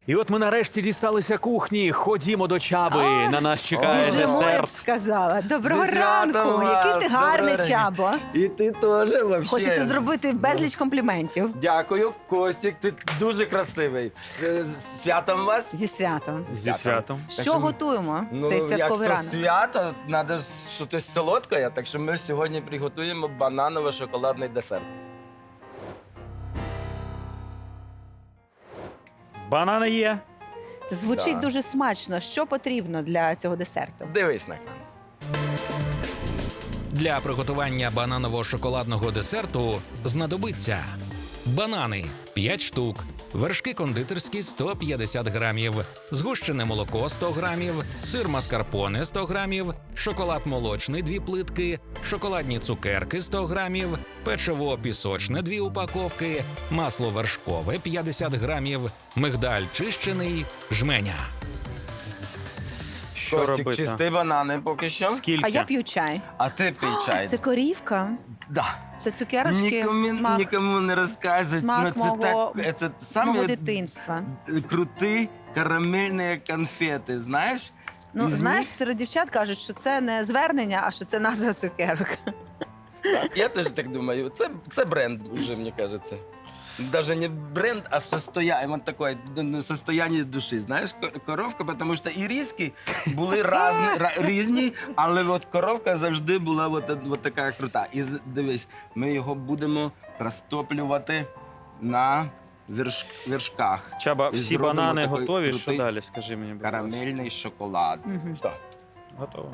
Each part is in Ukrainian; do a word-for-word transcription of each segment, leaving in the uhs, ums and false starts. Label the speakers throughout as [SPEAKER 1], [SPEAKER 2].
[SPEAKER 1] І от ми нарешті дісталися кухні. Ходімо до Чаби. На нас чекає
[SPEAKER 2] Вже моя б
[SPEAKER 1] десерт.
[SPEAKER 2] сказала. Доброго
[SPEAKER 3] Зі святом
[SPEAKER 2] ранку.
[SPEAKER 3] вас,
[SPEAKER 2] Який ти гарний,
[SPEAKER 3] доброго
[SPEAKER 2] Чабо.
[SPEAKER 3] І ти теж вообще.
[SPEAKER 2] Хочеться зробити безліч компліментів.
[SPEAKER 3] Дякую, Костік, ти дуже красивий. Е, з Святом вас.
[SPEAKER 2] Зі святом.
[SPEAKER 1] Зі святом.
[SPEAKER 3] Так
[SPEAKER 2] Що готуємо
[SPEAKER 3] Ну,
[SPEAKER 2] цей святковий
[SPEAKER 3] як
[SPEAKER 2] ранок?
[SPEAKER 3] то свято, треба щось солодке, так що ми сьогодні приготуємо бананово-шоколадний десерт.
[SPEAKER 1] Банани є.
[SPEAKER 2] Звучить
[SPEAKER 3] Так.
[SPEAKER 2] дуже смачно. Що потрібно для цього десерту?
[SPEAKER 3] Дивись на екран.
[SPEAKER 4] Для приготування бананово-шоколадного десерту знадобиться банани п'ять штук, вершки кондитерські сто п'ятдесят грамів, згущене молоко сто грамів, сир маскарпоне сто грамів, шоколад молочний дві плитки, шоколадні цукерки сто грамів, печиво пісочне дві упаковки, масло вершкове п'ятдесят грамів, мигдаль чищений, жменя.
[SPEAKER 1] Що
[SPEAKER 3] Костік,
[SPEAKER 1] робити?
[SPEAKER 3] чисти банани поки що.
[SPEAKER 1] Скільки?
[SPEAKER 2] А я п'ю чай.
[SPEAKER 3] А ти пий чай.
[SPEAKER 2] Це корівка,
[SPEAKER 3] Да.
[SPEAKER 2] це цукерочки,
[SPEAKER 3] Нікому,
[SPEAKER 2] смак
[SPEAKER 3] нікому не розказують.
[SPEAKER 2] смак
[SPEAKER 3] Ну, це
[SPEAKER 2] мого-
[SPEAKER 3] так, це
[SPEAKER 2] мого
[SPEAKER 3] самі
[SPEAKER 2] дитинства.
[SPEAKER 3] круті карамельні конфети, знаєш?
[SPEAKER 2] Ну,
[SPEAKER 3] Із
[SPEAKER 2] знаєш,
[SPEAKER 3] них-
[SPEAKER 2] серед дівчат кажуть, що це не звернення, а що це назва цукерок.
[SPEAKER 3] Так, я теж так думаю. Це, це бренд вже, мені кажеться. Даже не бренд, а состояние, вот такое ну, состояние душі. Знаєш, ко- коровка, тому що і різки були разні, ра- різні, але от коровка завжди була от, от така крута. І з- дивись, ми його будемо розтоплювати на верш, вершках.
[SPEAKER 1] Чаба,
[SPEAKER 3] І
[SPEAKER 1] всі
[SPEAKER 3] зробимо
[SPEAKER 1] банани
[SPEAKER 3] такий
[SPEAKER 1] готові. Що
[SPEAKER 3] крутий
[SPEAKER 1] далі? Скажи мені, будь ласка.
[SPEAKER 3] Карамельний шоколад.
[SPEAKER 2] Мгм.
[SPEAKER 3] Що?
[SPEAKER 1] Готово.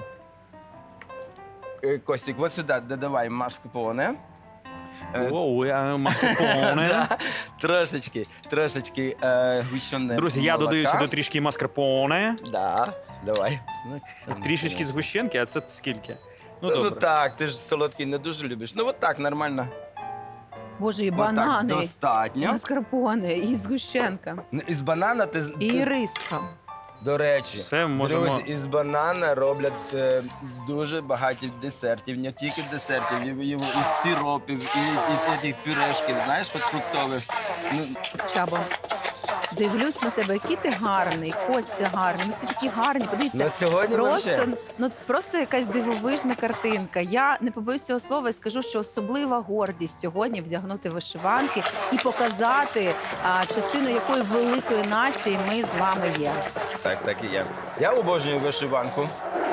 [SPEAKER 3] Е, Костік, от сюди додавай маскарпоне. Е,
[SPEAKER 1] Оу, я маскарпоне.
[SPEAKER 3] Трошечки, трошечки е, гущене
[SPEAKER 1] Друзі, я
[SPEAKER 3] молока.
[SPEAKER 1] додаю сюди трішки маскарпоне,
[SPEAKER 3] Да, давай. Ну,
[SPEAKER 1] трішечки згущенки, а це скільки? Ну,
[SPEAKER 3] Ну, ну
[SPEAKER 1] добре.
[SPEAKER 3] так, ти ж солодкий не дуже любиш. Ну от так, нормально.
[SPEAKER 2] Боже, і
[SPEAKER 3] От так
[SPEAKER 2] банани, і
[SPEAKER 3] достатньо.
[SPEAKER 2] маскарпоне, і згущенка,
[SPEAKER 3] Ну, Із банана ти, з-
[SPEAKER 2] і
[SPEAKER 3] ти-
[SPEAKER 2] риска.
[SPEAKER 3] до речі,
[SPEAKER 1] Все можемо.
[SPEAKER 3] друзі, із банана роблять е, дуже багато десертів, не тільки десертів, і, і, і сиропів, і, і, і тих пюрешків, знаєш, от фруктових. Ну,
[SPEAKER 2] Чабо, дивлюсь на тебе, який ти гарний, Костя гарний, ми всі такі гарні. Подивіться,
[SPEAKER 3] на сьогодні
[SPEAKER 2] просто,
[SPEAKER 3] вообще.
[SPEAKER 2] ну, це просто якась дивовижна картинка. Я не побоюсь цього слова і скажу, що особлива гордість сьогодні вдягнути вишиванки і показати, а, частину якої великої нації ми з вами є.
[SPEAKER 3] Так, так і є. Я обожнюю вишиванку.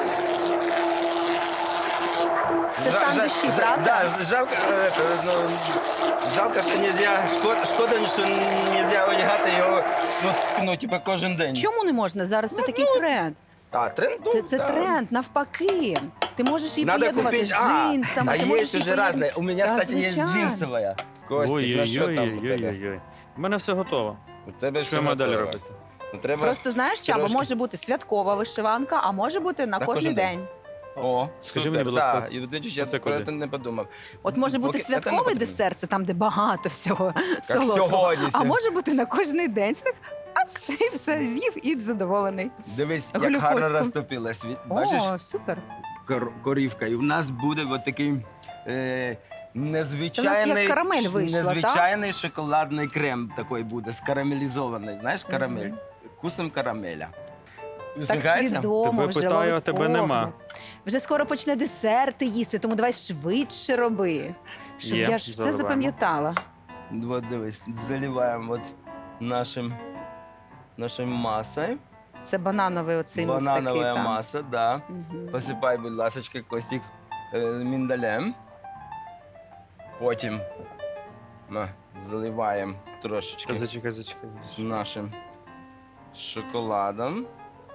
[SPEAKER 2] Це стан
[SPEAKER 3] Жа-
[SPEAKER 2] душі,
[SPEAKER 3] жа-
[SPEAKER 2] правда?
[SPEAKER 3] Да, жалко, е, е, ну, жалко, що нельзя, шкода, шкода, що нельзя одягати його, ну, ну, типу, кожен день.
[SPEAKER 2] Чому не можна? Зараз це такий тренд.
[SPEAKER 3] А, тренд? Ну,
[SPEAKER 2] Це, це
[SPEAKER 3] да.
[SPEAKER 2] тренд, навпаки. Ти можеш її
[SPEAKER 3] Надо
[SPEAKER 2] поєднувати
[SPEAKER 3] купить,
[SPEAKER 2] з
[SPEAKER 3] а,
[SPEAKER 2] джинсами.
[SPEAKER 3] а
[SPEAKER 2] ти
[SPEAKER 3] есть
[SPEAKER 2] можеш її
[SPEAKER 3] уже
[SPEAKER 2] поєднувати-
[SPEAKER 3] разные. У меня,
[SPEAKER 2] Да,
[SPEAKER 3] кстати, есть
[SPEAKER 2] звичайно.
[SPEAKER 3] джинсовая. Костик, на що там у тебе?
[SPEAKER 1] Ой-ой-ой-ой-ой. У мене все готово.
[SPEAKER 3] У тебе
[SPEAKER 1] Що я маю далі
[SPEAKER 3] готово.
[SPEAKER 1] робити?
[SPEAKER 3] Ну, треба...
[SPEAKER 2] Просто знаєш, Чаба,
[SPEAKER 3] трошки.
[SPEAKER 2] може бути святкова вишиванка, а може бути на,
[SPEAKER 3] На
[SPEAKER 2] кожен
[SPEAKER 3] кожен
[SPEAKER 2] день.
[SPEAKER 3] день. О,
[SPEAKER 1] Скажи
[SPEAKER 3] супер,
[SPEAKER 1] мені, будь ласка,
[SPEAKER 3] да.
[SPEAKER 1] це-
[SPEAKER 3] І, до речі, я
[SPEAKER 1] це
[SPEAKER 3] про
[SPEAKER 1] куди?
[SPEAKER 3] це не подумав.
[SPEAKER 2] От може бути
[SPEAKER 3] Поки- це не
[SPEAKER 2] святковий
[SPEAKER 3] потрібно.
[SPEAKER 2] десерт, це там, де багато всього солодкого.
[SPEAKER 3] сьогодні
[SPEAKER 2] А
[SPEAKER 3] ся-
[SPEAKER 2] може бути на кожен день. Це так, ак, і все, з'їв і задоволений.
[SPEAKER 3] Дивись, як
[SPEAKER 2] Глюкозку.
[SPEAKER 3] гарно розтопилась. Від- Бачиш,
[SPEAKER 2] О, супер.
[SPEAKER 3] кор- корівка. І у нас буде от такий е, незвичайний,
[SPEAKER 2] Це у нас як карамель вийшла,
[SPEAKER 3] незвичайний шоколадний крем такий буде, скарамелізований. Знаєш, карамель.
[SPEAKER 2] Мгм.
[SPEAKER 3] Вкусом карамеля.
[SPEAKER 2] Так
[SPEAKER 3] Усміхається?
[SPEAKER 2] свідомо
[SPEAKER 1] Тебе
[SPEAKER 2] вже
[SPEAKER 1] питаю,
[SPEAKER 2] ловить
[SPEAKER 1] а тебе
[SPEAKER 2] погляд.
[SPEAKER 1] нема.
[SPEAKER 2] Вже скоро почне десерти їсти, тому давай швидше роби. Щоб
[SPEAKER 1] Є,
[SPEAKER 2] я ж все
[SPEAKER 1] заливаємо.
[SPEAKER 2] запам'ятала.
[SPEAKER 3] Вот дивись, заливаємо от нашим, нашим масою.
[SPEAKER 2] Це банановий оцей мус
[SPEAKER 3] Бананова
[SPEAKER 2] такий. там.
[SPEAKER 3] маса, да.
[SPEAKER 2] Мгм.
[SPEAKER 3] Посипай, будь ласка, Костік, е, міндалем. Потім ми заливаємо трошечки
[SPEAKER 1] Зачекай, зачекай.
[SPEAKER 3] з нашим шоколадом.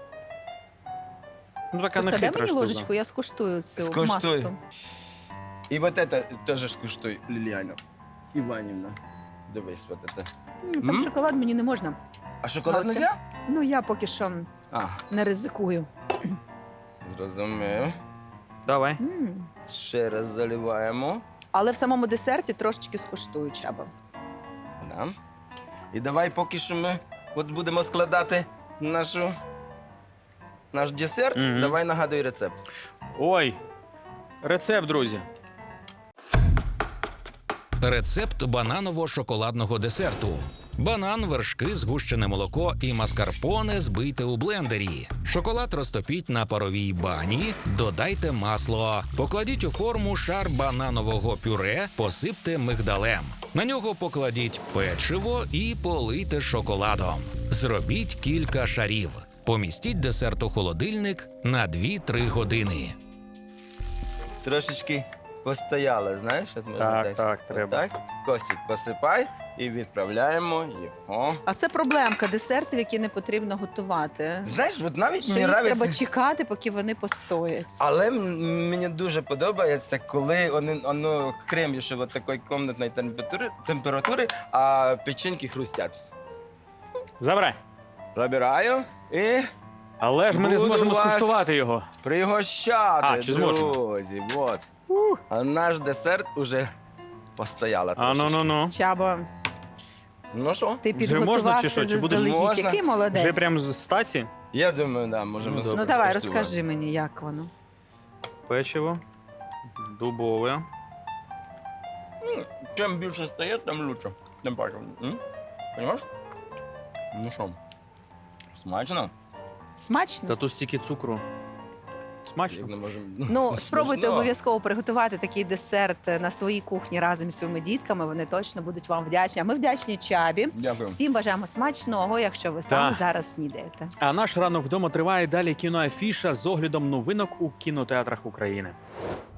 [SPEAKER 1] Ну, така не
[SPEAKER 2] Просто дай
[SPEAKER 1] хитра
[SPEAKER 2] мені
[SPEAKER 1] штука.
[SPEAKER 2] ложечку, я скуштую цю
[SPEAKER 3] Скуштуй.
[SPEAKER 2] масу.
[SPEAKER 3] І от це теж скуштуй, Ліліана Іванівна. Дивись, от це.
[SPEAKER 2] М, Там
[SPEAKER 3] М?
[SPEAKER 2] шоколад мені не можна.
[SPEAKER 3] А шоколад
[SPEAKER 2] А
[SPEAKER 3] не
[SPEAKER 2] оце?
[SPEAKER 3] можна?
[SPEAKER 2] Ну я поки що
[SPEAKER 3] А,
[SPEAKER 2] не ризикую.
[SPEAKER 3] зрозумів.
[SPEAKER 1] Давай.
[SPEAKER 2] М.
[SPEAKER 3] Ще раз заливаємо.
[SPEAKER 2] Але в самому десерті трошечки скуштую, Чаба.
[SPEAKER 3] Да. І давай поки що ми от будемо складати нашу, наш десерт.
[SPEAKER 1] Мгм.
[SPEAKER 3] Давай нагадуй рецепт.
[SPEAKER 1] Ой, рецепт, друзі.
[SPEAKER 4] Рецепт бананово-шоколадного десерту. Банан, вершки, згущене молоко і маскарпоне збийте у блендері. Шоколад розтопіть на паровій бані, додайте масло. Покладіть у форму шар бананового пюре, посипте мигдалем. На нього покладіть печиво і полийте шоколадом. Зробіть кілька шарів. Помістіть десерт у холодильник на дві-три години.
[SPEAKER 3] Трошечки постояли, знаєш? От можна
[SPEAKER 1] Так,
[SPEAKER 3] теж.
[SPEAKER 1] так, треба.
[SPEAKER 3] Так, косик посипай і відправляємо його.
[SPEAKER 2] А це проблемка десертів, які не потрібно готувати.
[SPEAKER 3] Знаєш, от навіть
[SPEAKER 2] Що
[SPEAKER 3] мені
[SPEAKER 2] їх
[SPEAKER 3] нравиться,
[SPEAKER 2] треба чекати, поки вони постоять.
[SPEAKER 3] але м- мені дуже подобається, коли вони, воно крем ще от такої комнатної температури, температури, а печеньки хрустять.
[SPEAKER 1] Забирай.
[SPEAKER 3] Забираю і
[SPEAKER 1] Але ж ми не
[SPEAKER 3] Буду
[SPEAKER 1] зможемо
[SPEAKER 3] вас-
[SPEAKER 1] скуштувати його.
[SPEAKER 3] пригощати,
[SPEAKER 1] А, чи зможемо?
[SPEAKER 3] друзі. Вот. А наш десерт уже постояла.
[SPEAKER 1] А ну
[SPEAKER 3] трошечки.
[SPEAKER 1] ну ну.
[SPEAKER 2] Чабо,
[SPEAKER 3] Ну що?
[SPEAKER 2] ти
[SPEAKER 1] Вже можна чи
[SPEAKER 2] підготувався
[SPEAKER 1] що? Чи будеш-
[SPEAKER 2] заздалегідь.
[SPEAKER 3] Можна?
[SPEAKER 2] Який молодець.
[SPEAKER 1] Вже прям з стаці
[SPEAKER 3] Я думаю, да, можемо
[SPEAKER 1] Ну,
[SPEAKER 3] скуштувати.
[SPEAKER 2] Ну давай, розкажи мені, як воно.
[SPEAKER 1] печиво дубове.
[SPEAKER 3] М, Чим більше стає, тим лучше. Тим паче. М? Понимаєш? Ну що? Смачно?
[SPEAKER 2] Смачно?
[SPEAKER 1] Та тут стільки цукру.
[SPEAKER 3] Як
[SPEAKER 1] Смачно.
[SPEAKER 3] не можемо.
[SPEAKER 2] Ну, спробуйте
[SPEAKER 3] Смачно.
[SPEAKER 2] обов'язково приготувати такий десерт на своїй кухні разом зі своїми дітками. Вони точно будуть вам вдячні. А ми вдячні Чабі.
[SPEAKER 3] Дякую.
[SPEAKER 2] Всім бажаємо смачного, якщо ви саме
[SPEAKER 1] Так.
[SPEAKER 2] зараз снідаєте.
[SPEAKER 1] А наш ранок вдома триває далі кіноафіша з оглядом новинок у кінотеатрах України.